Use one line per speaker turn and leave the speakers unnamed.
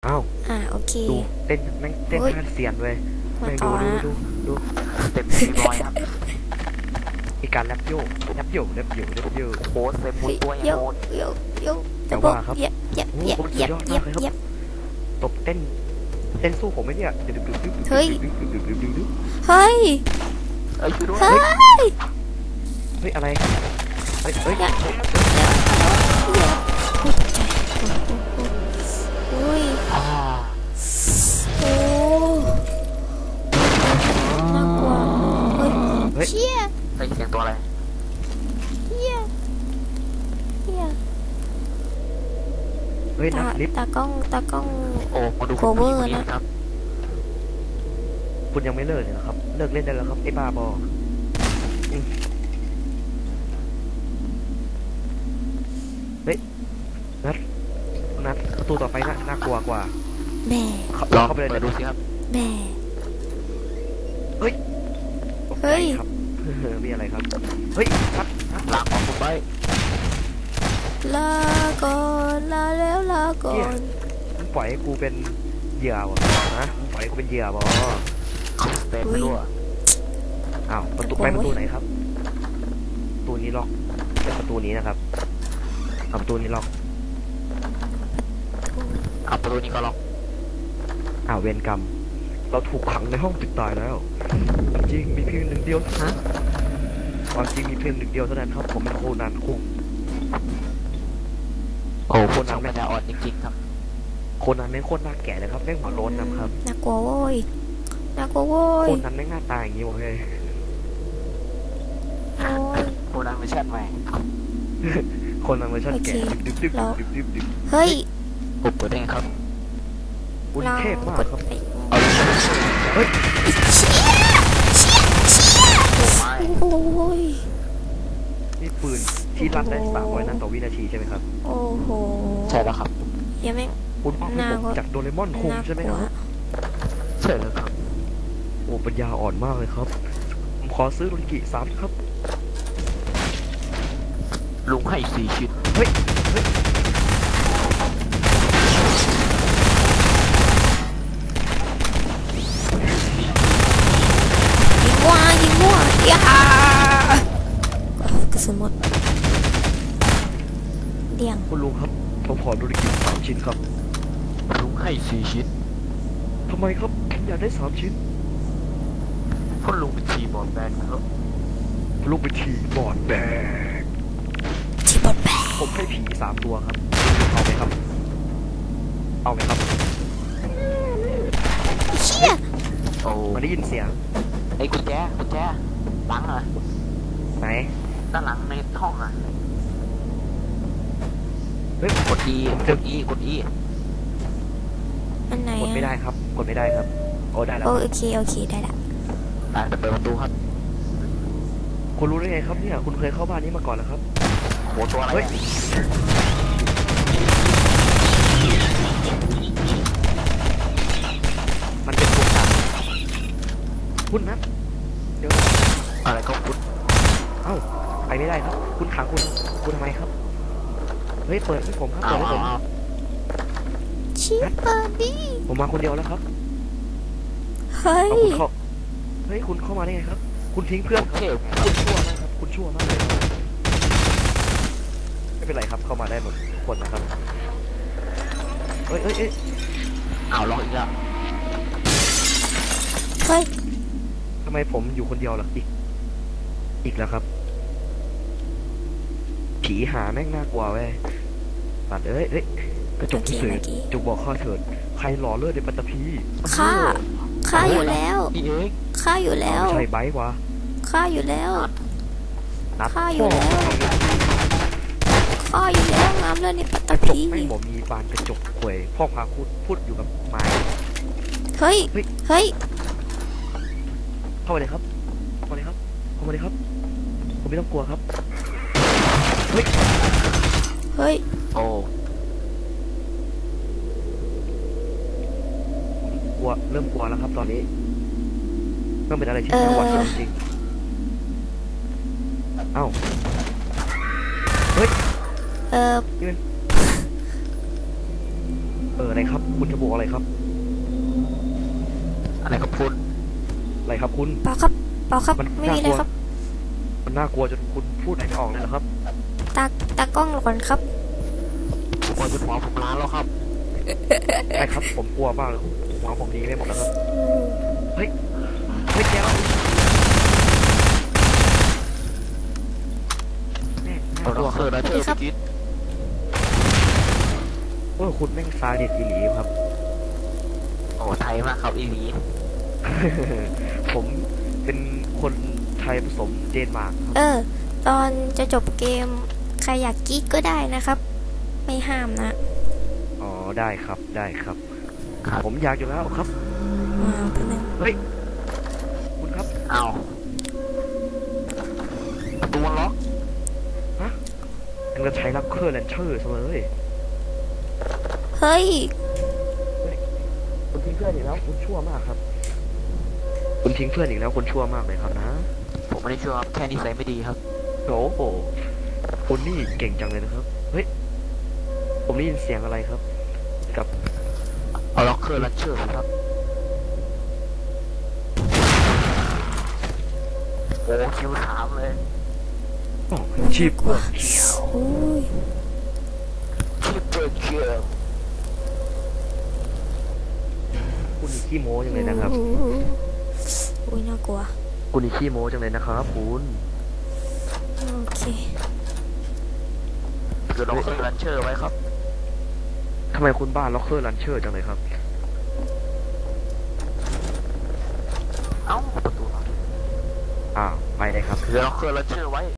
อ้าว
โอเค
ดูเต้นแม่งเต้นท่าเสียนเลย
มา
แม่ง
ต่อนะ
ดู
เต็มที่บอยครับ
มีการแรปโยก
โอ้โหเต็มมุ
เฮ้ย
ดตัว
โย
โหด
โยจะบอกเย็บ
ตบเต้นสู้ผมไหมเนี่ย
เฮ้ยเฮ้ย
เอ้ยช่วยด้วย
เฮ้ย
เฮ้ยอะไรเฮ้ย
อย่าอุ้ย
อ่า
โอ้น่ากลัวเฮ้ยเชี่ย
ได้ยินเสียงตัวอะไร
เฮีย
เฮ้ยนักลิฟต์
ตากล้อง
โอ้มาดู
โคเวอร์นะ
ครับ
คุณยังไม่เลิกเลยครับเลิกเล่นได้แล้วครับไอ้บ้าบอเฮ้ยนัดประตูต่อไปน่ากลัวกว่า
แม่
ลอง
เข้าไปเลย
เปิดดูสิครับ
แม่
เฮ้ย
เฮ้ย
ครับมีอะไรครับเฮ้ยนัด
ลากออกคุณไป
ลาก่อนลาแล้วลาก่อน
มึงปล่อยให้กูเป็นเหยื่อวะนะมึงปล่อยให้กูเป็นเหยื่อบอ
เต็มไปด้วย
อ้าวประตูไหนครับประตูนี้ล็อกเป็นประตูนี้นะครับเอาประตูนี้ล็อก
เอาประตูนี้ก็ล็อก
อ้าวเวรกรรมเราถูกขังในห้องปิดตายแล้วจริงมีเพียงหนึ่งเดียวฮะความจริงมีเพียงหนึ่งเดียวเท่านั้นครับผมเป็นโคนันคุง
โอ้คนนั้นไม่ได้อ่อนจริงๆครับ
โคนันแม่งโคตรน่าแก่เลยครับแม่งหัวโล้นนะครับ
น่ากลัวโว้ยน่ากลัวโว้ย
โคนันแม่งหน้าตาอย่างนี้วะเฮ้ย
โอ้ย
คนนั้นไม่ใช่ไหม
โคนันเวอร์ชันแก่ดึบ
เฮ้ย
ผมเปิดได้ไงครับ
คุณ
เรา
เทพมาก
กด
ครับ
ไป
เอาดิ
เฮ้ย
โอ้ไม่
โอ้ย
นี่ปืนที่ลั่นได้300 นัดต่อวินาทีใช่ไหมครับ
โอ้โห
ใช่แล้วครับ
ยังไม่
คุณพ่อให้ผมจากโดเรมอนคุงใช่ไหมครับ
ใช่แล้วครับ
โอ้ปัญญาอ่อนมากเลยครับผมขอซื้อโรนิกิ3ครับ
ลุงให้4 ชิ้น
เฮ้ย
ยิงมั่วอย่ากระสุนหมดเดี่ยง
คุณลุงครับผมขอโรนิกิ3 ชิ้นครับ
ลุงให้4 ชิ้น
ทำไมครับผมอยากได้3 ชิ้น
เพราะลุงเป็นทีบอลแบนครับ
ลุงไปทีบอร์ดแบก
ที่บอดแบก
ผมให้ผี3 ตัวครับเอาไหมครับ
เชี่ย
โอ้
มาได้ยินเสียง
ไอ้กุญแจหลังอ่ะ
ไหน
ด้านหลังในห้องอ่ะ
เฮ้ย
กด E กด E
อันไหน
กดไม่ได้ครับโอ้ได้แล้ว
โอเคได้ละ
เดี๋ยวเปิดประตูครับ
คุณรู้ได้ไงครับเนี่ยคุณเคยเข้าบ้านนี้มาก่อนแล้วครับ
โหตัวอะไร
เฮ้ย มันเป็นตัวสั่งคุณนะเดี๋ยว
อะไรก็คุณ
เอ้าไปไม่ได้ครับ คุณขังคุณทำไมครับเฮ้ยเปิดให้ผมครับเปิดให้ผม
ชิปเปอร์ดี้
ผมมาคนเดียวแล้วครับ
เฮ้ย
เอาคุณเข้าเฮ้ยคุณเข้ามาได้ไงครับ คุณทิ้งเพื่อนครับ
เท่
คุณชั่วมากเลยไม่เป็นไรครับเข้ามาได้หมดทุกคนนะครับเอ้ย
เอาล็อกอีกแล้ว
เฮ้ย
ทำไมผมอยู่คนเดียวล่ะอีกแล้วครับผีหาแม่งน่ากลัวเว้ยปัดเอ้ยกระจกพิเศษจงบอกข้าเถิดใครหล่อเลือดในปัตตภี
ฆ่าอยู่แล้ว
นี่เอง
ฆ่าอยู่แล้ว
ไม่ใช่ไบค์วะ
ฆ่าอยู่แล้ว
นัด
ฆ่าอยู่แล้วงามเลยในปัตต
กระจก
ภี
ไม่บอกมีบานกระจกข่วยพ่อพาพูดอยู่กับไม้
เฮ้ย
เข้ามาเลยครับผมไม่ต้องกลัวครับเฮ้ย
โอ้
เริ่มกลัวแล้วครับตอนนี้ต้องเป็นอะไรที่น่าหวาดเสียวจริงเอ้าเฮ้ย
เออ
นี่มันอะไรครับ คุณจะบอกอะไรครับ
อะไรครับคุณ
อะไรครับคุณ
เปล่าครับเปล่าครับ
มัน
ไม่มีอะไรครับ
มันน่ากลัวจนคุณพูดอะไรไม่ออกเลยเหรอครับ
ตากล้องก่อนครับ
ผมว่าเป็นหมอผมล้านแล้วครับ
ใช่ครับผมกลัวมากเลยหัวผมดีไม่หมดแล้วครับ
อืม
เฮ้ยแกวแม่งน่า
เอา
กลัว
ล็อก
ค
เกอ
รับ
ร์นะเธอไปกิน
คุณแม่งซาดิสอีหลีครับ
โอ้ไทยมากครับอีหลี
ผมเป็นคนไทยผสมเดนมาร์กครับ
ตอนจะจบเกมใครอยากกิ๊กก็ได้นะครับ ไม่ห้ามนะ
อ๋อได้ครับได้ครับ
ครับ
ผมอยากอยู่แล้วครับ
แป๊บนึง
เฮ้ยคุณครับ
เอาประตูมันล็อก
ยังจะใช้ลักเคอร์แลนเชอร์ซะเลย
เฮ้ย
คุณทิ้งเพื่อนอีกแล้วคุณชั่วมากครับ คุณทิ้งเพื่อนอีกแล้วคุณชั่วมากเลยครับนะ
ผมไม่ได้ช่วยครับแค่นิสัยไม่ดีครับ
โอ้โหคุณนี่เก่งจังเลยนะครับ เฮ้ย ผมได้ยินเสียงอะไรครับ กับ
เอาล็อกเกอร์ลันเชอร์ครับโอ้คิวถามเลย
ชีพ
กว่าโอ้ย
คิวเปิดเกียร์
คุณนี่ขี้โม้จังเลยนะครับ
อุ้ยน่ากลัว
คุณนี่ขี้โม้จังเลยนะครับคุณ
โอเค
เกิดล็อกเกอร์ลันเชอร์ไว้ครับ
ทำไมคุณบ้านล็อกเคอร์ลันเชอร์จังเลยครับ
เอ้าประตูล็อก
ไปเลยครับ
เกิดล็อกเกอร์ลันเชอร์ไว้